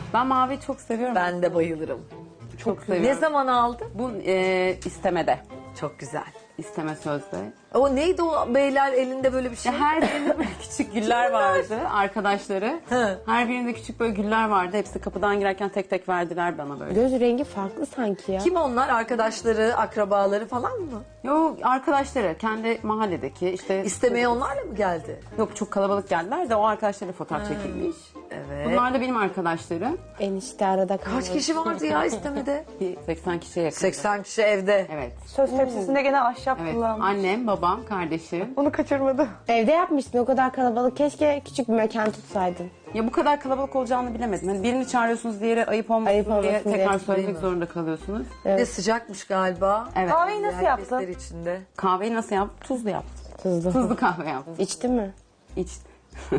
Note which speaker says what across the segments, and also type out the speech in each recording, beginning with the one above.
Speaker 1: Ben mavi çok seviyorum.
Speaker 2: Ben de bayılırım.
Speaker 1: çok seviyorum.
Speaker 2: Ne zaman aldın?
Speaker 1: Bu istemede.
Speaker 2: Çok güzel.
Speaker 1: İsteme sözde.
Speaker 2: O neydi o beyler elinde böyle bir şey?
Speaker 1: Her birinde böyle küçük güller vardı arkadaşları.
Speaker 2: Hı.
Speaker 1: Her birinde küçük böyle güller vardı. Hepsi kapıdan girerken tek tek verdiler bana böyle.
Speaker 3: Göz rengi farklı sanki ya.
Speaker 2: Kim onlar? Arkadaşları, akrabaları falan mı?
Speaker 1: Yok arkadaşları kendi mahalledeki işte.
Speaker 2: İstemeye onlarla mı geldi?
Speaker 1: Yok çok kalabalık geldiler de o arkadaşlarla fotoğraf çekilmiş.
Speaker 2: Evet.
Speaker 1: Bunlar da benim arkadaşlarım.
Speaker 3: Enişte arada kaldı.
Speaker 2: Kaç kişi vardı ya istemede?
Speaker 1: Bir 80 kişiye yakın.
Speaker 2: 80 kişi evde.
Speaker 1: Evet.
Speaker 4: Söz tepsisinde gene ahşap
Speaker 1: Evet.
Speaker 4: kullanmış.
Speaker 1: Annem, babam, kardeşim.
Speaker 4: Onu kaçırmadı.
Speaker 3: Evde yapmıştın o kadar kalabalık. Keşke küçük bir mekan tutsaydın.
Speaker 1: Ya bu kadar kalabalık olacağını bilemedim. Hani birini çağırıyorsunuz, diğeri ayıp olmasın,
Speaker 3: Ayıp olmasın
Speaker 1: diye
Speaker 3: diye.
Speaker 1: tekrar
Speaker 2: Değil
Speaker 1: söylemek
Speaker 2: mi?
Speaker 1: zorunda kalıyorsunuz.
Speaker 2: Bir de sıcakmış galiba.
Speaker 1: Evet.
Speaker 4: Kahveyi nasıl
Speaker 2: Herkesler
Speaker 4: yaptın?
Speaker 2: içinde.
Speaker 1: Kahveyi nasıl yaptım? Tuzlu yaptım.
Speaker 3: Tuzlu.
Speaker 1: Tuzlu kahve yaptım.
Speaker 3: İçti mi?
Speaker 1: İçti.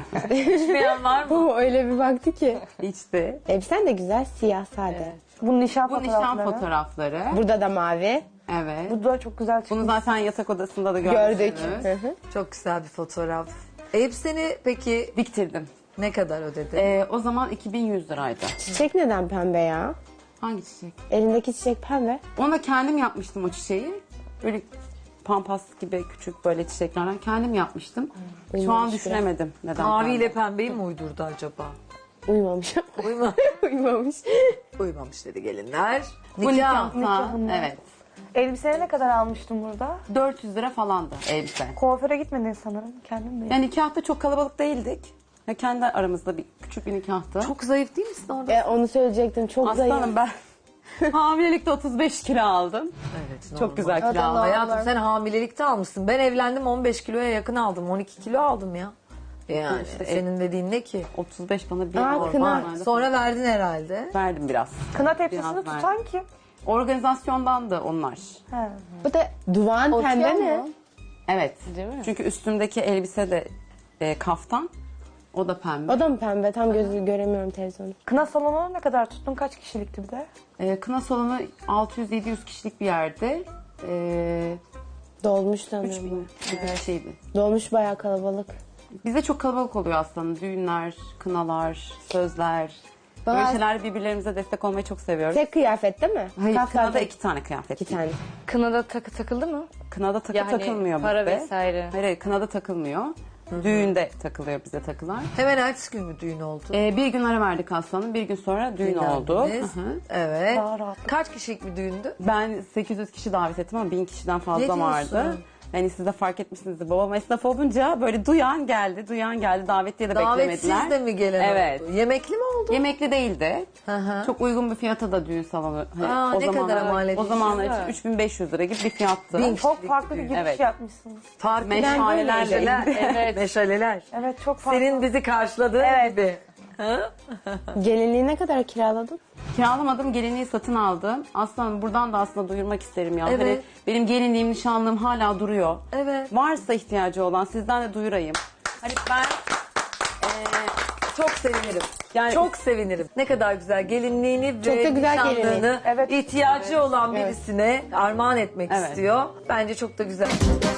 Speaker 2: İçmeyen var mı?
Speaker 3: Bu öyle bir baktı ki.
Speaker 1: İçti.
Speaker 3: Elbisen de güzel, siyah sade.
Speaker 4: Bu nişan
Speaker 1: Bu
Speaker 4: fotoğrafları.
Speaker 1: nişan fotoğrafları.
Speaker 3: Burada da mavi.
Speaker 1: Evet.
Speaker 4: Bu da çok güzel çıkmış.
Speaker 1: Bunu zaten yatak odasında da
Speaker 3: Gördük.
Speaker 1: görmüşsünüz.
Speaker 3: Hı hı.
Speaker 2: Çok güzel bir fotoğraf. Elbiseni peki
Speaker 1: Diktirdim.
Speaker 2: ne kadar ödedin?
Speaker 1: O zaman 2100 liraydı.
Speaker 3: Çiçek neden pembe ya?
Speaker 1: Hangi çiçek?
Speaker 3: Elindeki çiçek pembe.
Speaker 1: Ona kendim yapmıştım o çiçeği. Böyle pampas gibi küçük böyle çiçeklerden kendim yapmıştım. Şu an
Speaker 3: Uyumamış
Speaker 1: düşünemedim neden.
Speaker 2: Maviyle
Speaker 1: pembe.
Speaker 2: pembeyi mi uydurdu acaba?
Speaker 3: Uyumamış.
Speaker 2: Uyma.
Speaker 3: Uyumamış.
Speaker 2: Uymamış dedi gelinler.
Speaker 1: Bu nikahta.
Speaker 4: nikahında.
Speaker 1: Evet.
Speaker 4: Elbiseni ne kadar almıştın burada?
Speaker 1: 400 lira falandı elbise.
Speaker 4: Kuaföre gitmedin sanırım. Kendin de.
Speaker 1: Yani nikahta çok kalabalık değildik. Ya kendi aramızda bir küçük bir nikahtı.
Speaker 2: Çok zayıf değil misin orada?
Speaker 3: Onu söyleyecektim. Çok zayıf.
Speaker 1: Aslanım ben hamilelikte 35 kilo aldım.
Speaker 2: Evet.
Speaker 1: Çok güzel kilo aldım.
Speaker 2: Hayatım sen hamilelikte almışsın. Ben evlendim 15 kiloya yakın aldım. 12 kilo aldım ya. Yani
Speaker 1: İşte
Speaker 2: senin dediğin ne ki?
Speaker 1: 35 bana bir
Speaker 3: Aa, kına.
Speaker 1: normalde
Speaker 2: Sonra verdin herhalde.
Speaker 1: verdim biraz.
Speaker 4: Kına tepsisini
Speaker 1: Biraz
Speaker 4: tutan kim?
Speaker 1: Organizasyondan da onlar.
Speaker 4: He.
Speaker 3: Bu da duvan pembe mi?
Speaker 1: Evet.
Speaker 3: Değil mi?
Speaker 1: Çünkü üstümdeki elbise de kaftan. O da pembe.
Speaker 3: O da mı pembe? Tam gözü göremiyorum televizyonu.
Speaker 4: Kına salonu ne kadar tuttun? Kaç kişilikti bir de?
Speaker 1: Kına salonu 600-700 kişilik bir yerde.
Speaker 3: Dolmuş
Speaker 1: 3000
Speaker 3: sanırım.
Speaker 1: gibi bir şeydi.
Speaker 3: Dolmuş bayağı kalabalık.
Speaker 1: Bizde çok kalabalık oluyor aslında. Düğünler, kınalar, sözler. Böyle
Speaker 3: Bazı-
Speaker 1: şeyler birbirlerimize destek olmayı çok seviyoruz.
Speaker 3: Tek kıyafet değil mi?
Speaker 1: Hayır,
Speaker 3: Kaftan
Speaker 1: kınada
Speaker 3: tek-
Speaker 1: 2 tane kıyafet.
Speaker 3: iki tane.
Speaker 5: Kınada takı takıldı mı?
Speaker 1: Kınada takı
Speaker 5: Yani
Speaker 1: takılmıyor
Speaker 5: para
Speaker 1: bizde.
Speaker 5: vesaire.
Speaker 1: Hayır, kınada takılmıyor. Düğünde takılıyor bize takılar.
Speaker 2: Hemen ertesi gün mü düğün oldu?
Speaker 1: Bir gün ara verdik aslanım. Bir gün sonra düğün oldu.
Speaker 2: Dinlendiniz.
Speaker 1: Hı hı.
Speaker 2: Evet.
Speaker 4: Daha rahatlık.
Speaker 2: Kaç kişilik bir düğündü?
Speaker 1: Ben 800 kişi davet ettim ama 1000 kişiden
Speaker 2: Ne
Speaker 1: fazla
Speaker 2: diyorsun?
Speaker 1: vardı. Yani siz de fark etmişsinizdir. Babam esnaf olunca böyle duyan geldi, davetliye de
Speaker 2: Davetsiz
Speaker 1: beklemediler.
Speaker 2: de mi gelen
Speaker 1: Evet.
Speaker 2: oldu? Yemekli mi oldu?
Speaker 1: Yemekli değildi.
Speaker 2: hı.
Speaker 1: Çok uygun bir fiyata da düğün salonu. Hani
Speaker 2: Aa, ne kadara mal
Speaker 1: O
Speaker 2: edilmiş?
Speaker 1: zamanlar
Speaker 2: Güzel.
Speaker 1: için 3500 lira gibi bir fiyattı.
Speaker 4: Çok farklı bir giriş
Speaker 1: Evet.
Speaker 4: yapmışsınız.
Speaker 2: Farklı
Speaker 1: Meşalelerle.
Speaker 2: meşaleler. Meşaleler.
Speaker 4: Evet çok farklı.
Speaker 2: Senin bizi karşıladığın
Speaker 4: Evet.
Speaker 2: gibi.
Speaker 3: Gelinliği ne kadar kiraladın?
Speaker 1: Kiralamadım, gelinliği satın aldım. Aslanım buradan da aslında duyurmak isterim ya.
Speaker 2: Evet.
Speaker 1: Hani benim gelinliğim, nişanlığım hala duruyor.
Speaker 2: Evet.
Speaker 1: Varsa ihtiyacı olan sizden de duyurayım. Hani ben
Speaker 2: Çok sevinirim.
Speaker 1: Yani-
Speaker 2: çok sevinirim. Ne kadar güzel gelinliğini
Speaker 3: Çok
Speaker 2: ve
Speaker 3: da güzel
Speaker 2: nişanlığını
Speaker 3: gelinlik.
Speaker 4: Evet.
Speaker 2: ihtiyacı olan birisine armağan etmek
Speaker 1: Evet.
Speaker 2: istiyor. Bence çok da güzel.